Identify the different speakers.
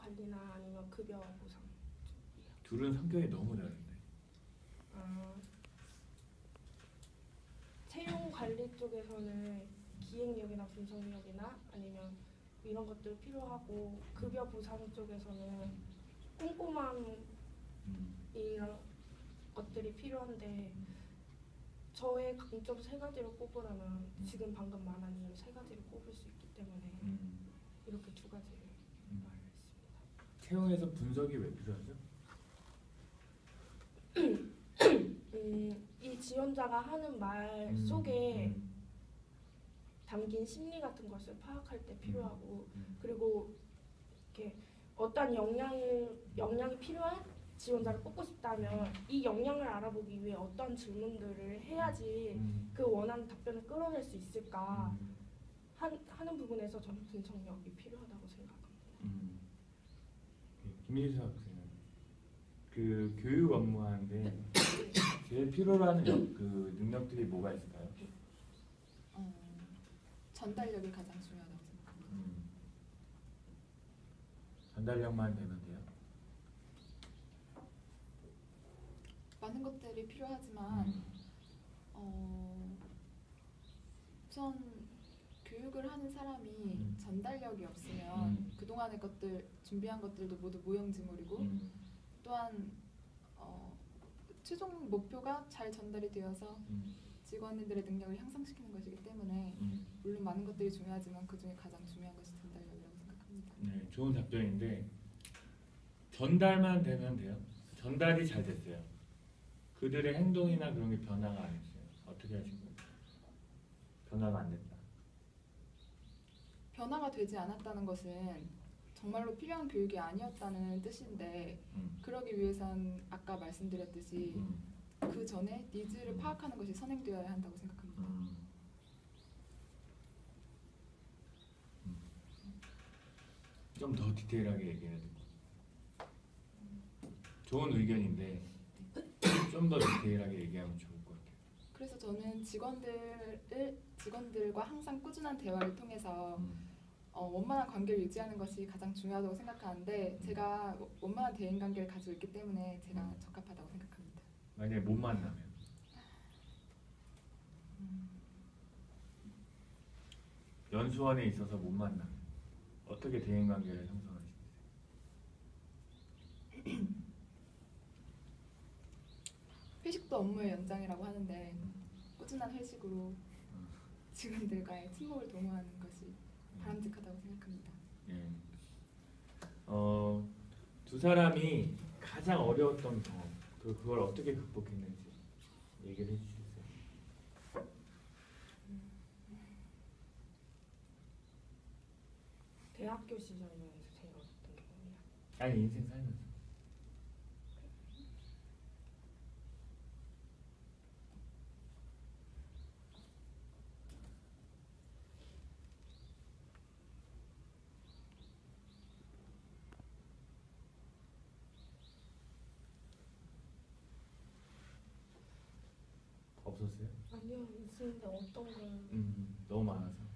Speaker 1: 관리나 아니면 급여 보상 쪽이요.
Speaker 2: 둘은 성격이 너무 다른데.
Speaker 1: 채용 관리 쪽에서는 기획력이나 분석력이나 아니면 이런 것들 필요하고 급여 보상 쪽에서는 꼼꼼함 이런 것들이 필요한데 저의 강점 세 가지를 꼽으라면 지금 방금 말한 이 세 가지를 꼽을 수 있기 때문에 이렇게 두 가지를 말했습니다.
Speaker 2: 채용에서 분석이 왜 필요하죠?
Speaker 1: 이 지원자가 하는 말 속에 담긴 심리 같은 것을 파악할 때 필요하고 그리고 이렇게 어떤 역량이 필요한 지원자를 뽑고 싶다면 이 역량을 알아보기 위해 어떤 질문들을 해야지 그 원하는 답변을 끌어낼 수 있을까 하는 부분에서 저는 분석력이 필요하다고 생각합니다.
Speaker 2: 김희수 학생은 그 교육 업무하는데 제일 필요로 하는 그 능력들이 뭐가 있을까요?
Speaker 3: 전달력이 가장 중요하다고 생각합니다.
Speaker 2: 전달력만 되면 돼요?
Speaker 3: 많은 것들이 필요하지만 우선 교육을 하는 사람이 전달력이 없으면 그동안의 것들 준비한 것들도 모두 모형지물이고 또한 최종 목표가 잘 전달이 되어서 직원들의 능력을 향상시키는 것이기 때문에 물론 많은 것들이 중요하지만 그 중에 가장 중요한 것이 전달력이라고 생각합니다.
Speaker 2: 네, 좋은 답변인데 전달만 되면 돼요? 전달이 잘 됐어요. 그들의 행동이나 그런 게 변화가 안 했어요. 어떻게 하신 거예요? 변화가 안 됐다.
Speaker 3: 변화가 되지 않았다는 것은 정말로 필요한 교육이 아니었다는 뜻인데 그러기 위해선 아까 말씀드렸듯이 그 전에 니즈를 파악하는 것이 선행되어야 한다고 생각합니다.
Speaker 2: 좀 더 디테일하게 얘기해야 돼요. 좋은 의견인데 좀 더 디테일하게 얘기하면 좋을 것 같아요.
Speaker 3: 그래서 저는 직원들과 항상 꾸준한 대화를 통해서 원만한 관계를 유지하는 것이 가장 중요하다고 생각하는데 제가 원만한 대인관계를 가지고 있기 때문에 제가 적합하다고 생각합니다.
Speaker 2: 만약에 못 만나면 연수원에 있어서 못 만나면 어떻게 대인관계를 형성하시겠어요?
Speaker 3: 회식도 업무의 연장이라고 하는데 꾸준한 회식으로 직원들과의 친목을 도모하는 것이 바람직하다고 생각합니다.
Speaker 2: 예. 두 사람이 가장 어려웠던 경험, 그걸 어떻게 극복했는지 얘기를 해주시겠어요?
Speaker 1: 대학교 시절에서 제일 어렸던 경험이요.
Speaker 2: 아니 인생 살면서. 없었어요?
Speaker 1: 아니요, 있는데 어떤 걸
Speaker 2: 너무 많아서.